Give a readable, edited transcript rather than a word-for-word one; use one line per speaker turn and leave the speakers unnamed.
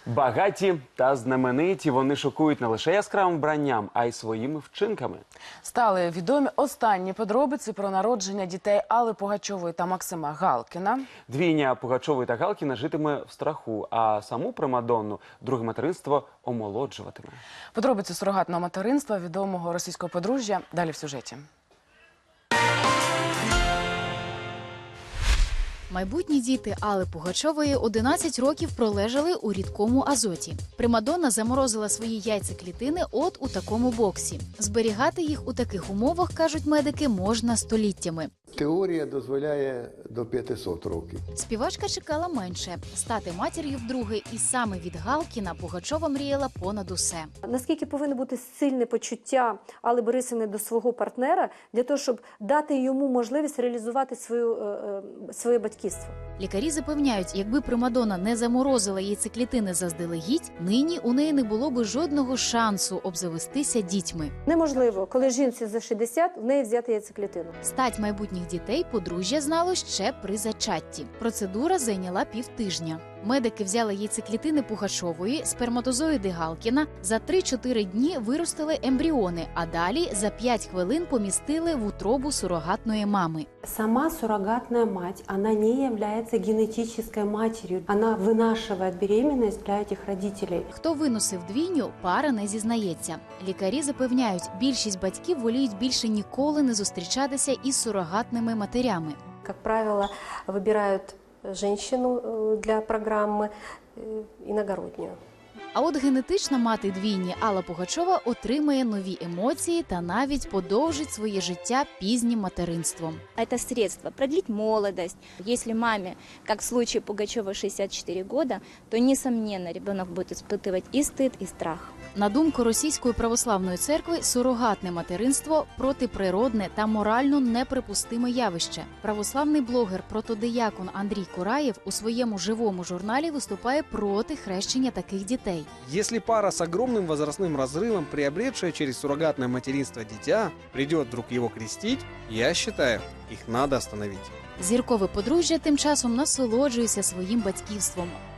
Багаті та знамениті, вони шокують не лише яскравим вбранням, а й своїми вчинками.
Стали відомі останні подробиці про народження дітей Алли Пугачової та Максима Галкіна.
Двійня Пугачової та Галкіна житиме в страху, а саму примадонну друге материнство омолоджуватиме.
Подробиці сурогатного материнства відомого російського подружжя далі в сюжеті.
Майбутні діти Алли Пугачової 11 років пролежали у рідкому азоті. Примадонна заморозила свої яйцеклітини от у такому боксі. Зберігати їх у таких умовах, кажуть медики, можна століттями.
Теорія дозволяє до 500 років.
Співачка чекала менше – стати матір'ю вдруге, і саме від Галкіна Пугачова мріяла понад усе.
Наскільки повинно бути сильне почуття Алли Борисівни до свого партнера, для того, щоб дати йому можливість реалізувати своє батьківство?
Лікарі запевняють, якби примадонна не заморозила яйцеклітини заздалегідь, нині у неї не було би жодного шансу обзавестися дітьми.
Неможливо, коли жінці за 60, в неї взяти яйцеклітину.
Стать майбутніх дітей подружжя знало ще при зачатті. Процедура зайняла півтижня. Медики взяли яйцеклітини Пугачової, сперматозоїди Галкіна, за 3-4 дні виростили ембріони, а далі за 5 хвилин помістили в утробу сурогатної мами.
Сама суррогатная мать, она не является генетической матерью. Она вынашивает беременность для этих родителей.
Хто виносив двійню, пара не зізнається. Лікарі запевняють, більшість батьків воліють більше ніколи не зустрічатися із сурогатними матерями.
Как правило, выбирают женщину для программы иногороднюю.
А от генетична мати двійні Алла Пугачова отримає нові емоції та навіть подовжить своє життя пізнім материнством.
Это средство продлить молодость. Если маме, как в случае Пугачева, 64 года, то, несомненно, ребенок будет испытывать и стыд, и страх.
На думку Російської православної церкви, сурогатне материнство – протиприродне та морально неприпустиме явище. Православний блогер-протодиякон Андрій Кураєв у своєму живому журналі виступає проти хрещення таких дітей.
Если пара с огромным возрастным разрывом, приобретшая через суррогатное материнство дитя, придет вдруг его крестить, я считаю, их надо остановить.
Зіркове подружжя тим часом насолоджується своїм батьківством.